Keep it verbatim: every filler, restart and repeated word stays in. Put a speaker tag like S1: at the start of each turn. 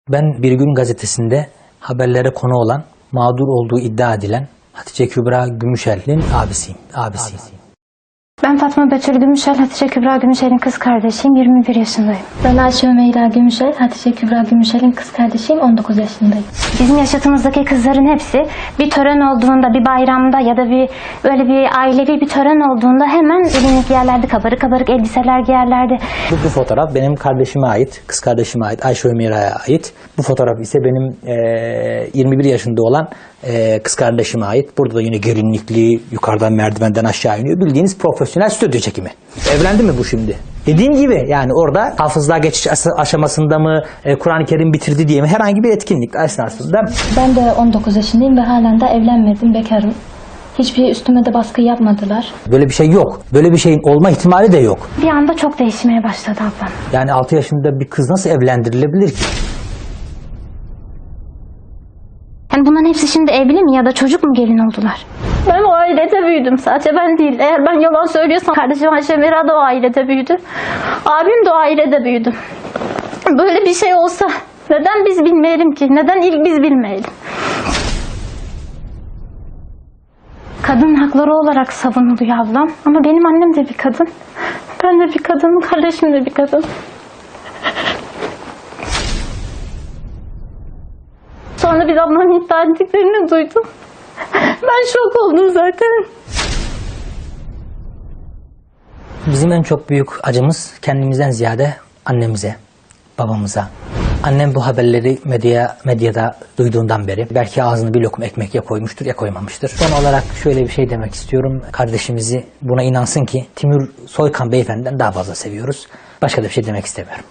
S1: Ben Bir Gün gazetesinde haberlere konu olan, mağdur olduğu iddia edilen Hatice Kübra Gümüşel'in abisiyim. abisiyim.
S2: Ben Fatma Betül Gümüşel, Hatice Kübra Gümüşel'in kız kardeşiyim, yirmi bir yaşındayım.
S3: Ben Ayşe Ömeyra Gümüşel, Hatice Kübra Gümüşel'in kız kardeşiyim, on dokuz yaşındayım.
S2: Bizim yaşıtımızdaki kızların hepsi bir tören olduğunda, bir bayramda ya da bir böyle bir ailevi bir tören olduğunda hemen elini giyerlerdi, kabarık kabarık elbiseler giyerlerdi.
S1: Bu, bu fotoğraf benim kardeşime ait, kız kardeşime ait, Ayşe Ömeyra'ya ait. Bu fotoğraf ise benim e, yirmi bir yaşında olan e, kız kardeşime ait. Burada da yine gelinlikli, yukarıdan merdivenden aşağı iniyor. Bildiğiniz profesyonel stüdyo çekimi. Evlendi mi bu şimdi? Dediğim gibi yani orada hafızlığa geçiş aşamasında mı, e, Kur'an-ı Kerim bitirdi diye mi, herhangi bir etkinlik esnasında.
S3: Ben de on dokuz yaşındayım ve halen de evlenmedim, bekarım. Hiçbir üstüme de baskı yapmadılar.
S1: Böyle bir şey yok. Böyle bir şeyin olma ihtimali de yok.
S2: Bir anda çok değişmeye başladı ablam.
S1: Yani altı yaşında bir kız nasıl evlendirilebilir ki?
S2: Yani bunların hepsi şimdi evli mi ya da çocuk mu gelin oldular?
S3: Ben o ailede büyüdüm, sadece ben değil. Eğer ben yalan söylüyorsam kardeşim Ayşe Ömeyra da o ailede büyüdü. Abim de o ailede büyüdü. Böyle bir şey olsa neden biz bilmeyelim ki? Neden ilk biz bilmeyelim?
S2: Kadın hakları olarak savunuluyor ablam. Ama benim annem de bir kadın. Ben de bir kadınım, kardeşim de bir kadın. Sonra biz ablamın iddia ettiklerini duydum. Ben şok oldum zaten.
S1: Bizim en çok büyük acımız kendimizden ziyade annemize, babamıza. Annem bu haberleri medya, medyada duyduğundan beri belki ağzını bir lokum ekmek ya koymuştur ya koymamıştır. Son olarak şöyle bir şey demek istiyorum. Kardeşimizi buna inansın ki Timur Soykan beyefendiden daha fazla seviyoruz. Başka da bir şey demek istemiyorum.